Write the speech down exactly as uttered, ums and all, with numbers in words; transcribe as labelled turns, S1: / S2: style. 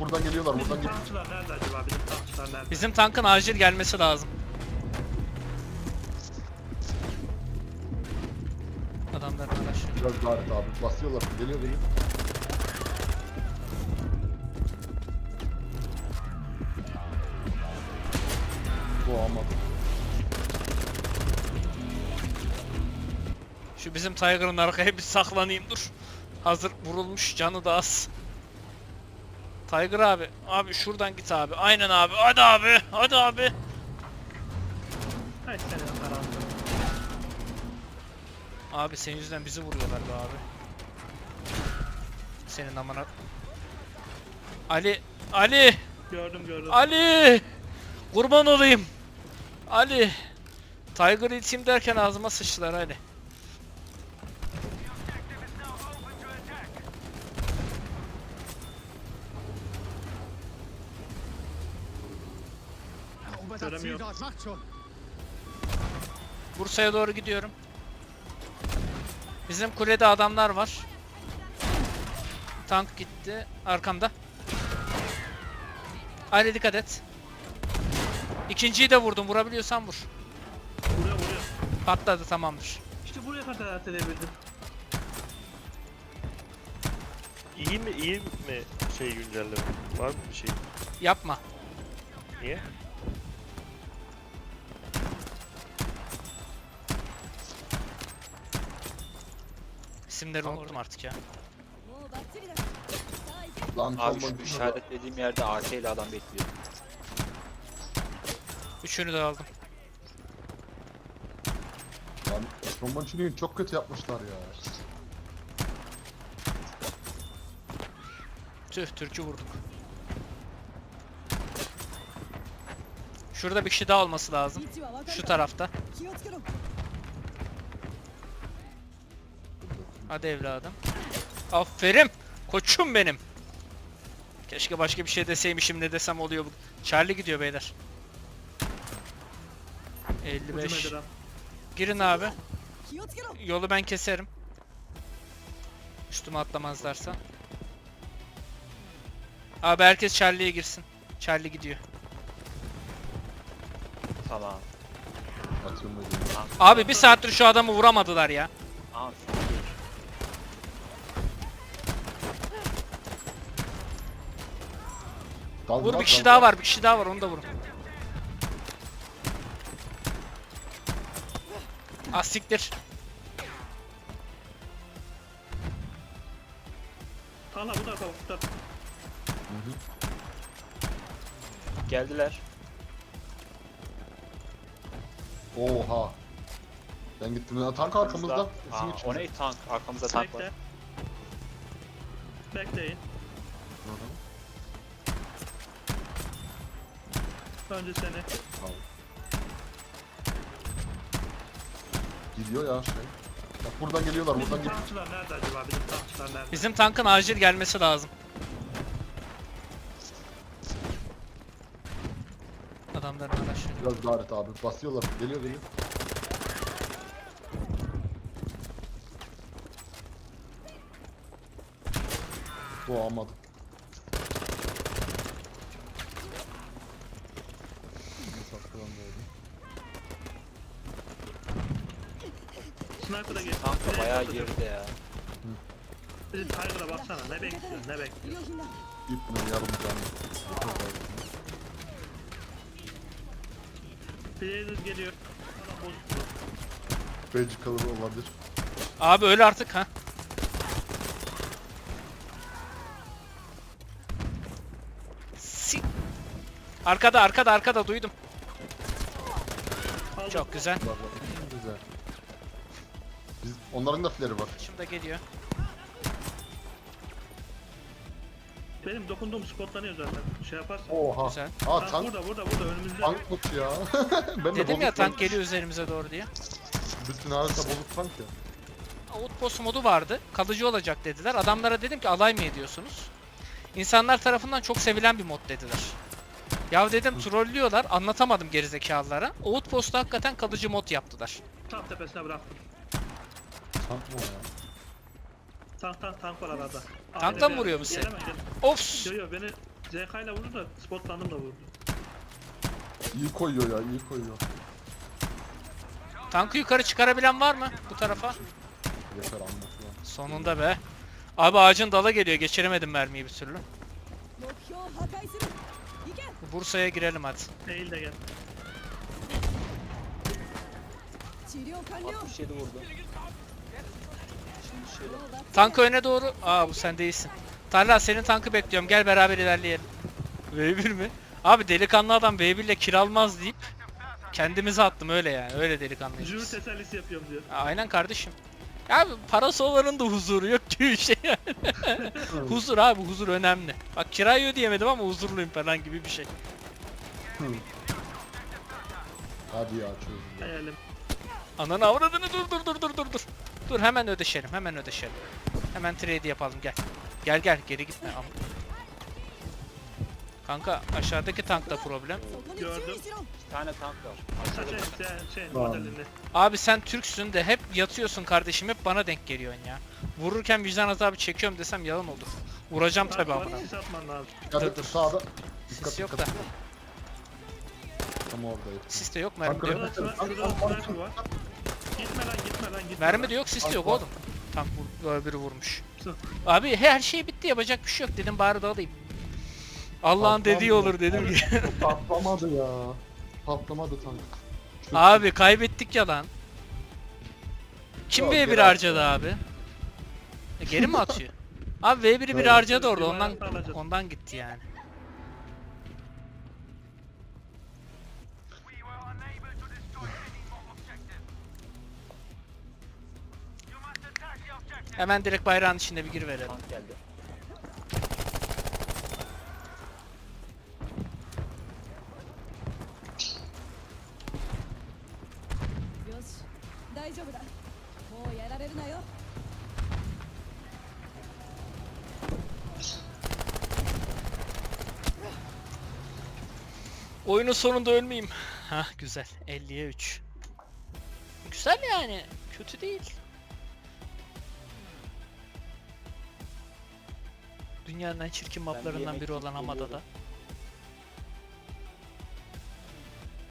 S1: buradan geliyorlar
S2: Bizim
S1: buradan geliyorlar.
S2: tankçılar nerede acaba? Bizim tankçılar nerede?
S3: Bizim tankın acil gelmesi lazım. Adamların araçları.
S1: Biraz daha et abi basıyorlar geliyor geliyor. Bu ama.
S3: Şu bizim Tiger'ın arkaya bir saklanayım dur. Hazır vurulmuş, canı da az. Tiger abi, abi şuradan git abi. Aynen abi, hadi abi, hadi abi.
S2: Hay senin karanlığı.
S3: Abi senin yüzünden bizi vuruyorlar be abi. Senin amına. Ali, Ali,
S2: Gördüm gördüm.
S3: Ali. Kurban olayım. Ali. Tiger'ı iteyim derken ağzıma sıçtılar Ali.
S2: Göremiyorum.
S3: Bursa'ya doğru gidiyorum. Bizim kulede adamlar var. Tank gitti. Arkamda. Ali dikkat et. İkinciyi de vurdum. Vurabiliyorsan vur.
S2: Vuruyor vuruyor.
S3: Patladı, tamamdır.
S2: İşte buraya kadar atlayabildim.
S4: İyi mi iyi mi şey güncelleme? Var mı bir şey?
S3: Yapma.
S4: Niye?
S3: İsimleri unuttum artık ya.
S1: Lan
S5: Abi
S1: soldan
S5: şu işaretlediğim yerde A K ile adam bekliyor.
S3: Üçünü de aldım.
S1: Lan Romançini'yi çok kötü yapmışlar ya.
S3: Tüh, Türk'ü vurduk. Şurada bir kişi daha olması lazım. Şu tarafta. Hadi evladım. Aferin. Koçum benim. Keşke başka bir şey deseymişim, ne desem oluyor bu. Charlie gidiyor beyler. elli beş.
S2: Ucum eder ha.
S3: Girin abi. Yolu ben keserim. Üstüme atlamazlarsa. Abi herkes Charlie'ye girsin. Charlie gidiyor.
S5: Tamam.
S1: Atıyorum da geliyor.
S3: Abi bir saattir şu adamı vuramadılar ya.
S5: Aa,
S1: Dal,
S3: Vur,
S1: dal,
S3: bir kişi
S1: dal,
S3: daha
S1: dal.
S3: var, bir kişi daha var, onu da vurun. Ah siktir.
S2: Hala bu tarafa bak, bu tarafa.
S1: Hı hı.
S5: geldiler.
S1: Oha. Ben gittim. Ya, tank arkamızda.
S5: Aa,
S1: Kesin
S5: o
S1: içinde.
S5: ne tank? Arkamızda tank var.
S2: Bekle. Bekleyin.
S1: Hı hı.
S2: Önce seni.
S1: Tamam. Gidiyor ya şey. Bak buradan geliyorlar buradan
S2: Bizim
S1: geliyor.
S2: tankçılar nerede acaba? Bizim tankçılar nerede?
S3: Bizim tankın acil gelmesi lazım. Adamların araçları.
S1: Biraz daha et abi basıyorlar geliyor geliyor. Doğamadım.
S2: Sniper'a geç.
S5: Tank da
S2: Nereye
S5: bayağı
S2: atacak?
S5: geride ya.
S2: Bizim Tiger'a baksana. Ne bekliyorsun? Ne bekliyorsun?
S1: İpnin yarım canı.
S2: Blazer geliyor. Adam bozuk.
S1: Belki kalır olabilir.
S3: Abi öyle artık ha. Si Arkada, arkada, arkada duydum.
S2: Aldım.
S3: Çok güzel.
S1: Var, var. Güzel. Biz, onların da fleri var.
S3: Şimdi geliyor.
S2: Benim dokunduğum spotlanıyor zaten. Şey yaparsan.
S1: Oha.
S3: Güzel.
S1: Aa
S2: Tank
S1: tank,
S2: burada burada burada önümüzde.
S1: tankmış ya. ben de
S3: Dedim ya,
S1: bozuk
S3: tank geliyor üzerimize doğru diye.
S1: Bütün harita bozuk tank ya.
S3: Outpost modu vardı. Kalıcı olacak dediler. Adamlara dedim ki alay mı ediyorsunuz? İnsanlar tarafından çok sevilen bir mod dediler. Ya dedim trollüyorlar. Anlatamadım gerizekalılara. Outpost'u hakikaten kalıcı mod yaptılar.
S2: Tam tepesine bıraktım.
S1: Tank mı o ya?
S2: Tank tank tank var arada.
S3: Tanktan
S2: Abi,
S3: vuruyor
S2: bir-
S3: musun?
S2: Gelemem, gelemem.
S3: Of!
S2: Yo yo beni Z K ile vurdu da spotlandım da vurdu.
S1: İyi koyuyor ya, iyi koyuyor.
S3: Tankı yukarı çıkarabilen var mı bu tarafa?
S1: Yeter anlatılan.
S3: Sonunda be. Abi ağacın dala geliyor. Geçiremedim mermiyi bir türlü.
S6: 目標を破壊する行け
S3: Bursa'ya girelim hadi.
S2: Değil de gel.
S6: 治療完了
S5: altmış yedi vurdu. Şimdi şöyle.
S3: Tankı öne doğru. Aa bu sen değilsin. Talha senin tankı bekliyorum. Gel beraber ilerleyelim. V bir mi? Abi delikanlı adam V bir ile kiralmaz deyip kendimize attım öyle yani. Öyle delikanlıyız
S2: Jüri
S3: biz.
S2: tesellisi yapıyorum diyor.
S3: Aynen kardeşim. Abi parası olanın da huzuru yok gibi bir şey yani. Huzur abi, huzur önemli. Bak kirayı ödeyemedim ama huzurluyum falan gibi bir şey.
S1: Hadi ya çözdüm.
S2: Hayalim.
S3: Ananı avradını dur dur dur dur dur dur. Dur hemen ödeşelim, hemen ödeşelim. Hemen trade yapalım gel. Gel gel geri gitme. Am- Kanka aşağıdaki tankta problem.
S6: そこに
S2: Gördüm.
S6: 注意しろ
S5: Bir tane tank var.
S2: Ha,
S5: Aşağıda
S2: şey, şey, şey
S1: Tamam.
S2: modelinde.
S3: Abi sen Türksün de hep yatıyorsun kardeşim, hep bana denk geliyorsun ya. Vururken vicdan azabı çekiyorum desem yalan olur. Vuracağım tabi
S2: Tabii
S3: amına.
S2: sis atman lazım.
S1: Dikkat
S3: Dur,
S1: et
S3: dur.
S1: sağda.
S3: Sis yok da.
S1: Tam oradayım.
S3: Sis de yok, mermi de yok.
S2: Şurada sniper şurada sniper var. Gitme lan gitme lan gitme
S3: Mermi
S2: lan.
S3: de yok, sis de yok oğlum. Tank vur, böyle biri vurmuş.
S2: Sus.
S3: Abi her şey bitti, yapacak bir şey yok dedim, bari dalayım. Allah'ın dediği olur dedim ki.
S1: Patlamadı ya. Patlamadı tank. Çok
S3: Abi kaybettik ya lan. Kim
S1: Yok,
S3: V bir
S1: geri
S3: harcadı abi? E, geri mi atıyor? Abi V bir'i biri
S1: Evet.
S3: harcadı orada,
S2: Bir
S3: ondan
S2: bayrak alacağız.
S3: ondan gitti yani. Hemen direkt bayrağın içinde bir gir verelim.
S5: tank geldi.
S6: よし大丈夫だもうやられるなよ
S3: Oyunun sonunda ölmeyeyim. Hah güzel. elliye üç. Güzel yani. Kötü değil. Dünyanın en çirkin maplarından
S5: yemek
S3: biri olan
S5: yiyip
S3: Hamada'da.
S5: geliyorum.